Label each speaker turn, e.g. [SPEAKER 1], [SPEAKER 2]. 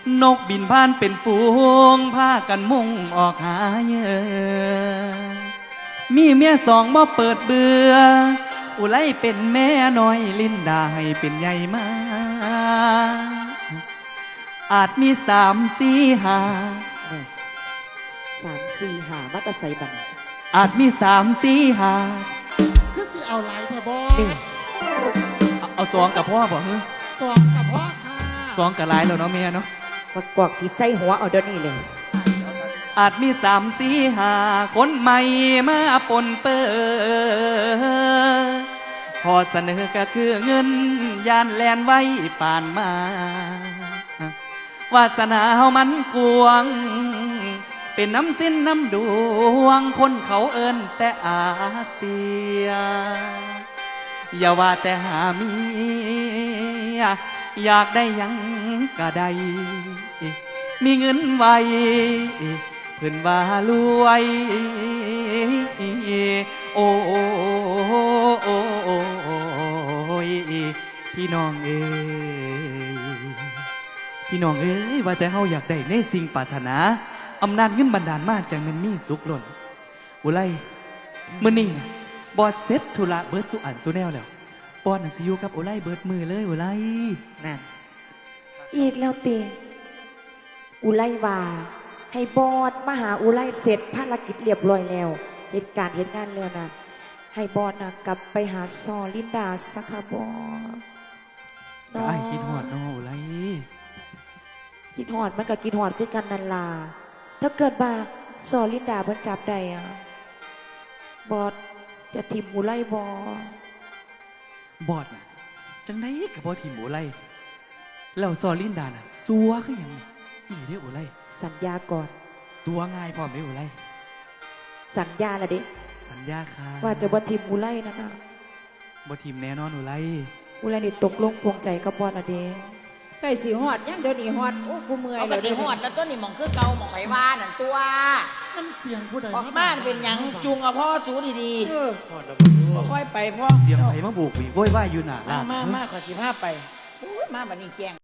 [SPEAKER 1] นกบินผ่านเป็นฝูงพากันมุ่งออกหาเหยื่อมีเมียสองบ่เปิดเบื่ออุไลเป็นแม่น้อยลิ้นดาให้เป็นใหญ่มาอาจมี
[SPEAKER 2] 3 4 5มัตใส่บัง
[SPEAKER 1] อาจมี3 4 5
[SPEAKER 3] คือสิเอาไหลแท่บอ
[SPEAKER 2] นี่
[SPEAKER 1] เอาสองกับพ่อบอกเฮ้ย
[SPEAKER 3] สองกับพ่อค่ะ
[SPEAKER 1] สองกับหลายแล้วเนาะเมียเนาะ
[SPEAKER 2] มากวกที่ใส่หัวเอาเดี๋ยวนี้เลย
[SPEAKER 1] อาจมี3 4 5คนใหม่มาปนเปื้อพอเสนอก็คือเงินยานแลนไว้ป่านมาวาสนาเฮามันกวงเป็นน้ำสิ้นน้ำดวงคนเขาเอิ้นแต่อาเซียอย่าว่าแต่หาเมียอยากได้ยังก็ได้มีเงินไว้เพิ่นว่ารวยโอ้ยพี่น้องเอ้ยพี่น้องเอ้ยว่าแต่เฮาอยากได้ในสิ่งปรารถนาอำนาจเงินบันดาลมาจังมันมีสุขล้นอุไลมื้อนี้นะบอดเซ็ตธุระเบิดสุอันสุแนวแล้วปอนน่ะสิอยู่กับอุไลเบิดมือเลยอุไล
[SPEAKER 2] นั่นอีกแล้วเตอุไลว่าให้บอดมาหาอุไลเสร็จภารกิจเรียบร้อยแล้วเหตุการณ์เหตุงานแล้วนะให้บอดนะกลับไปหาซอลินดาสักค่ะบอด
[SPEAKER 1] ไอ้คิดฮอดน้องอุไล
[SPEAKER 2] คิดหอดมันกับคิดหอดคือกันนันลาถ้าเกิดว่าซอลินดาเพิ่นจับได้อะบอดจะทิมอุไลบ
[SPEAKER 1] บอดน่ะจังไดกับบอทีมอุไลแล้วซอลินดาน่ะซัวคือหยังนี่เด้ออุไล
[SPEAKER 2] สัญญาก่อน
[SPEAKER 1] ตัวง่ายพร้อมเด้ออุไล
[SPEAKER 2] สัญญาละเด็
[SPEAKER 1] สัญญาค่ะ
[SPEAKER 2] ว่าจะบ่ทิมอุไลนั่นนะ
[SPEAKER 1] บอทีมแน่นอนอุไล
[SPEAKER 2] อุไลนี่ตกลงพวงใจกับบอดละเด็
[SPEAKER 4] ไก่สีหอดยังเดี๋ยวนี้หอดโอ้กูเมื่อย
[SPEAKER 5] เอากระสีหอดแล้วต้นนี่หมองคือเก่าหมองไขว่านั่นตัว
[SPEAKER 3] มันเสียงผู้ใด
[SPEAKER 5] ออกบ้านเป็นหยังจุงเอาพ่อสูดี
[SPEAKER 4] เออ
[SPEAKER 5] ๆค่อยไปพ่อ
[SPEAKER 1] เสียงไผมาบุกวีโวยวายอยู่หน้าร้าน
[SPEAKER 5] มาขอสิพาไปอุ้ยมาบัดนี้แกง